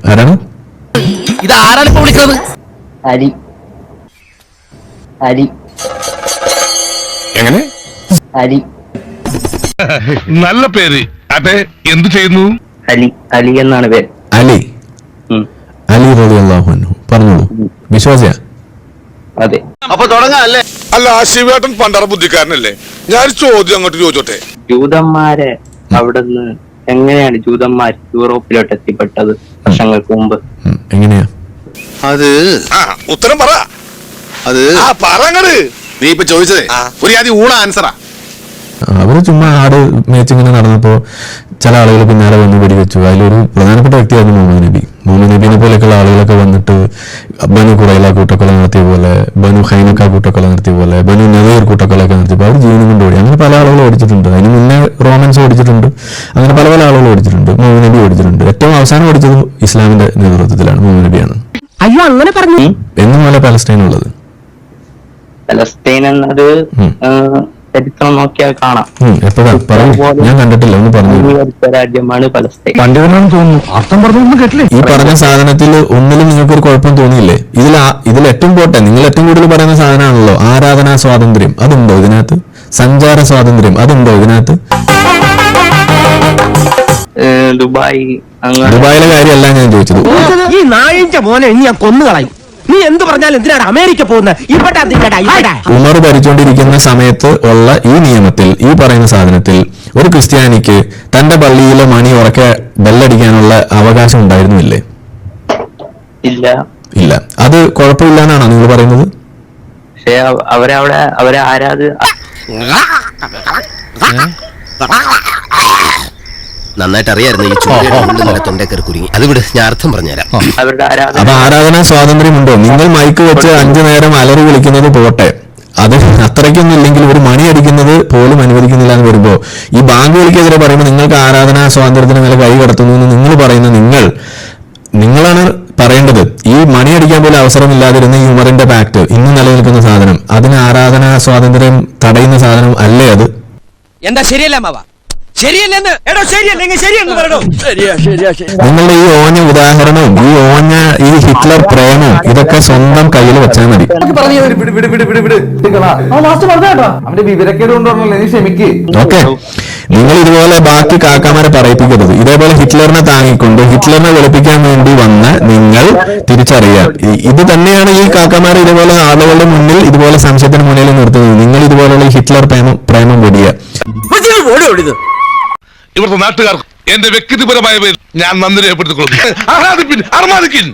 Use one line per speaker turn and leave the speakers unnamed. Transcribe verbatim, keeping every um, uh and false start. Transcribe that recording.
ആരാണ്
ഇത്? ആരാണ് ഇപ്പൊ വിളിക്കുന്നത്?
അലി അലി
എങ്ങനെ?
അലി
നല്ല പേര്. അതെ, എന്ത് ചെയ്യുന്നു?
അലി അലി എന്നാണ് പേര്.
അലി അലി റളിയല്ലാഹു അൻഹു. പറഞ്ഞോളൂ. വിശ്വാസിയാ?
അതെ.
അപ്പൊ തുടങ്ങാല്ലേ?
അല്ല, ശിവേട്ടൻ പണ്ടറ ബുദ്ധിക്കാരനല്ലേ? ഞാൻ ചോദ്യം അങ്ങോട്ട് ചോദിച്ചോട്ടെ.
ജൂതന്മാരെ അവിടുന്ന് എങ്ങനെയാണ് ജൂതന്മാർ യൂറോപ്പിലോട്ട് എത്തിപ്പെട്ടത് വർഷങ്ങൾക്ക് മുമ്പ്?
എങ്ങനെയാ
അത്
ആ ഉത്തരം പറ.
അത്
ആ പറങ്ങട്.
നീ ഇപ്പൊ ചോദിച്ചതേ ഒരു ആദ്യം ഊണ ആൻസറാ.
അവര് ചുമ്മാ ആട് മേച്ചിങ്ങനെ നടന്നപ്പോ ചില ആളുകൾ പിന്നാലെ വന്ന് വെടിവെച്ചു. അതിലൊരു പ്രധാനപ്പെട്ട വ്യക്തിയായിരുന്നു മുഹമ്മദ് നബി. മുഹമ്മദ് നബീനെ പോലെയൊക്കെയുള്ള ആളുകളൊക്കെ വന്നിട്ട് ബനു ഖുറൈല കൂട്ടക്കൊല നടത്തിയ പോലെ, ബനു ഹൈനക്ക കൂട്ടക്കൊല നടത്തിയ പോലെ, ബനു നദീർ കൂട്ടക്കൊലയൊക്കെ നടത്തിയപ്പോൾ അവർ ജീവനും കൊണ്ട് ഓടി. അങ്ങനെ പല ആളുകളും ഓടിച്ചിട്ടുണ്ട്. അതിന് മുന്നേ റോമൻസ് ഓടിച്ചിട്ടുണ്ട്. അങ്ങനെ പല പല ആളുകൾ ഓടിച്ചിട്ടുണ്ട്. മുഹമ്മദ് നബി ഓടിച്ചിട്ടുണ്ട്. ഏറ്റവും അവസാനം ഓടിച്ചത് ഇസ്ലാമിന്റെ നേതൃത്വത്തിലാണ്. മുഹമ്മദ് നബിയാണ്.
അയ്യോ അങ്ങനെ പറഞ്ഞു.
എന്നും പോലെ പലസ്തീൻ ഉള്ളത്.
പലസ്തീൻ എന്നത് ചരിത്രം നോക്കിയാൽ കാണാം.
എപ്പോഴാ പറയൂ, ഞാൻ കണ്ടിട്ടില്ല, ഒന്ന് പറഞ്ഞു.
രാജ്യമാണ് പലസ്തീൻ.
പണ്ഡിതനാണെന്ന് തോന്നുന്നു. അർത്ഥം പറഞ്ഞൊന്നും കേട്ടില്ലേ? ഈ പറഞ്ഞ സാധനത്തിൽ ഒന്നിലും നിങ്ങൾക്ക് ഒരു കുഴപ്പം തോന്നിയില്ലേ? ഇതിൽ ഇതിൽ ഏറ്റവും പോട്ടെ, നിങ്ങൾ ഏറ്റവും കൂടുതൽ പറയുന്ന സാധനമാണല്ലോ ആരാധനാ സ്വാതന്ത്ര്യം. അതുണ്ടോ ഇതിനകത്ത്? സഞ്ചാര സ്വാതന്ത്ര്യം അതുണ്ടോ ഇതിനകത്ത്?
ദുബായ്
ദുബായിലെ കാര്യമല്ല ഞാൻ ചോദിച്ചത്.
ഈ നായിന്റെ മോനെ ഇനി ഞാൻ കൊന്നുകളയും. നീ എന്ത് പറഞ്ഞാലും എന്തിനാണ് അമേരിക്ക പോകുന്നത്? ഇവിടെ
ഉമർ ഭരിച്ചുകൊണ്ടിരിക്കുന്ന സമയത്ത് ഉള്ള ഈ നിയമത്തിൽ, ഈ പറയുന്ന സാധനത്തിൽ ഒരു ക്രിസ്ത്യാനിക്ക് തന്റെ പള്ളിയിലെ മണി ഉറക്കെ ബെല്ലടിക്കാനുള്ള അവകാശം ഉണ്ടായിരുന്നില്ലേ?
ഇല്ല.
ഇല്ല. അത് കുഴപ്പമില്ല എന്നാണോ നിങ്ങൾ പറയുന്നത്?
പക്ഷെ അവരവിടെ അവരെ ആരാധ
നന്നായിട്ട് അറിയായിരുന്നു ഈ ചോദ്യം തൊണ്ടേക്കറി കുരുങ്ങി. അത് വിട്, ഞാൻ അർത്ഥം പറഞ്ഞുതരാം.
അവരുടെ ആരാധന.
അപ്പൊ ആരാധനാ സ്വാതന്ത്ര്യമുണ്ടോ? നിങ്ങൾ മൈക്ക് വെച്ച് അഞ്ചു നേരം അലറി വിളിക്കുന്നത് പോട്ടെ, അത് അത്രയ്ക്കൊന്നും ഇല്ലെങ്കിൽ ഒരു മണി അടിക്കുന്നത് പോലും അനുവദിക്കുന്നില്ല എന്ന് വരുമ്പോ ഈ ബാങ്ക് വിളിക്കെതിരെ പറയുമ്പോൾ നിങ്ങൾക്ക് ആരാധനാ സ്വാതന്ത്ര്യത്തിന് മേലെ കൈ കടത്തുന്നു എന്ന് നിങ്ങൾ പറയുന്ന നിങ്ങൾ നിങ്ങളാണ് പറയേണ്ടത്. ഈ മണി അടിക്കാൻ പോലും അവസരമില്ലാതിരുന്ന ഈ ഉമറിന്റെ പാക്ട് ഇന്ന് നിലനിൽക്കുന്ന സാധനം, അതിന് ആരാധനാ സ്വാതന്ത്ര്യം തടയുന്ന സാധനം അല്ലേ അത്?
എന്താ ശരിയല്ല മാവ? ശരിയല്ലെന്ന് എടോ, ശരിയല്ലെങ്കിൽ ശരിയെന്ന് പറയണോ? ശരിയാ ശരിയാ ശരി.
നിങ്ങളുടെ ഈ ഓഞ്ഞ ഉദാഹരണവും ഈ ഓഞ്ഞ ഈ ഹിറ്റ്ലർ പ്രേമവും ഇതൊക്കെ സ്വന്തം കയ്യിൽ വെച്ചാൽ മതി. ഓക്കെ, നിങ്ങൾ ഇതുപോലെ ബാക്കി കാക്കാമാരെ പറയിപ്പിക്കരുത്. ഇതേപോലെ ഹിറ്റ്ലറിനെ താങ്ങിക്കൊണ്ട് ഹിറ്റ്ലറിനെ വെളുപ്പിക്കാൻ വേണ്ടി വന്ന നിങ്ങൾ തിരിച്ചറിയാം, ഇത് തന്നെയാണ് ഈ കാക്കാമാരെ ഇതുപോലെ ആളുകളുടെ മുന്നിൽ ഇതുപോലെ സംശയത്തിന് മുന്നിൽ നിർത്തുന്നത്. നിങ്ങൾ ഇതുപോലുള്ള ഹിറ്റ്ലർ പ്രേമം പ്രേമം കൂടിയ
ഇവിടുത്തെ നാട്ടുകാർക്ക് എന്റെ വ്യക്തിപരമായ പേരിൽ ഞാൻ നന്ദി രേഖപ്പെടുത്തിക്കൊള്ളുന്നു.